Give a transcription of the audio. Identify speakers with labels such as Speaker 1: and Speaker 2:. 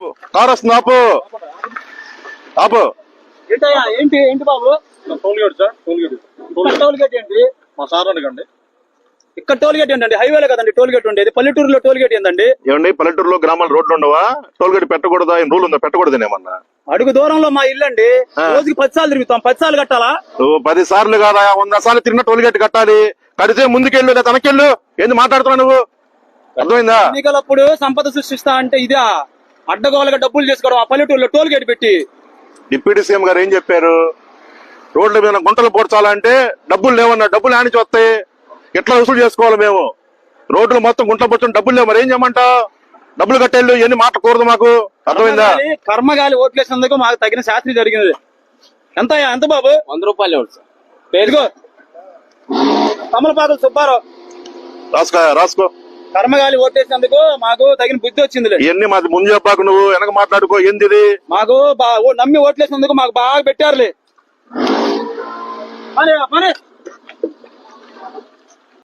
Speaker 1: Car వస్తుంది, ఆపు ఆపు.
Speaker 2: ఏంటయ్యా ఏంటి ఏంటి బాబు?
Speaker 3: Toll gate sir, toll gate.
Speaker 2: టోల్గేట్ ఏంటి?
Speaker 3: మా సార్ అడగండి.
Speaker 2: ఇక్కడ టోల్గేట్ ఏంటండి? హైవేలో కదండి టోల్గేట్ ఉండేది, పల్లెటూరులో టోల్గేట్ ఏందండి?
Speaker 1: ఏమండి పల్లెటూరులో గ్రామాల రోడ్లు ఉండవా? టోల్గేట్ పెట్టకూడదా? ఏం రూల్ ఉందా? పెట్టకూడదేమన్నా?
Speaker 2: అడుగు దూరంలో మా ఇల్లు అండి, రోజుకి 10 సార్లు తిరుగుతాం. 10 సార్లు కట్టాలా?
Speaker 1: నువ్వు 10 సార్లు కాదా, 100 సార్లు తిరిగిన టోల్గేట్ కట్టాలి. కడితే ముందుకెళ్ళు లేదా తనకెళ్ళు. ఏంది మాట్లాడుతున్నావు నువ్వు? అర్థమైందా?
Speaker 2: ఎన్నికలప్పుడు సంపద సృష్టిస్తా అంటే ఇదా అడ్డగోలుగా డబ్బులు చేసుకోవడం? ఆ పల్లెటూరులో టోల్గేట్ పెట్టి
Speaker 1: డిప్యూటీ సీఎం గారు ఏం చెప్పారు? రోడ్ల మీద గుంటలు పోడ్చాలంటే డబ్బులు లేవన్నా. డబ్బులు ఆనిచి వస్తాయి, ఎట్లా వసూలు చేసుకోవాలి మేము? రోడ్లు మొత్తం గుంటలు పోర్చడం డబ్బులు లేవు, మరి ఏం చేయమంటావు? డబ్బులు కట్టేళ్ళు ఎన్ని మాట్లాడకూడదు మాకు, అర్థమైందా?
Speaker 2: కర్మగాలి ఓట్లేసినందుకు మాకు తగిన శాస్త్రి జరిగింది. ఎంత బాబు?
Speaker 3: 100 రూపాయలు సార్.
Speaker 2: పేరుగో తమలపాకులు సుబ్బారావు.
Speaker 1: రాసుకో.
Speaker 2: కర్మగాలి ఓట్లేసినందుకు మాకు తగిన బుద్ధి వచ్చింది.
Speaker 1: ఇవన్నీ మాది ముందు చెప్పాకు, నువ్వు వెనక మాట్లాడుకో. ఏంది
Speaker 2: మాకు నమ్మి ఓట్లేసినందుకు మాకు బాగా పెట్టారులే.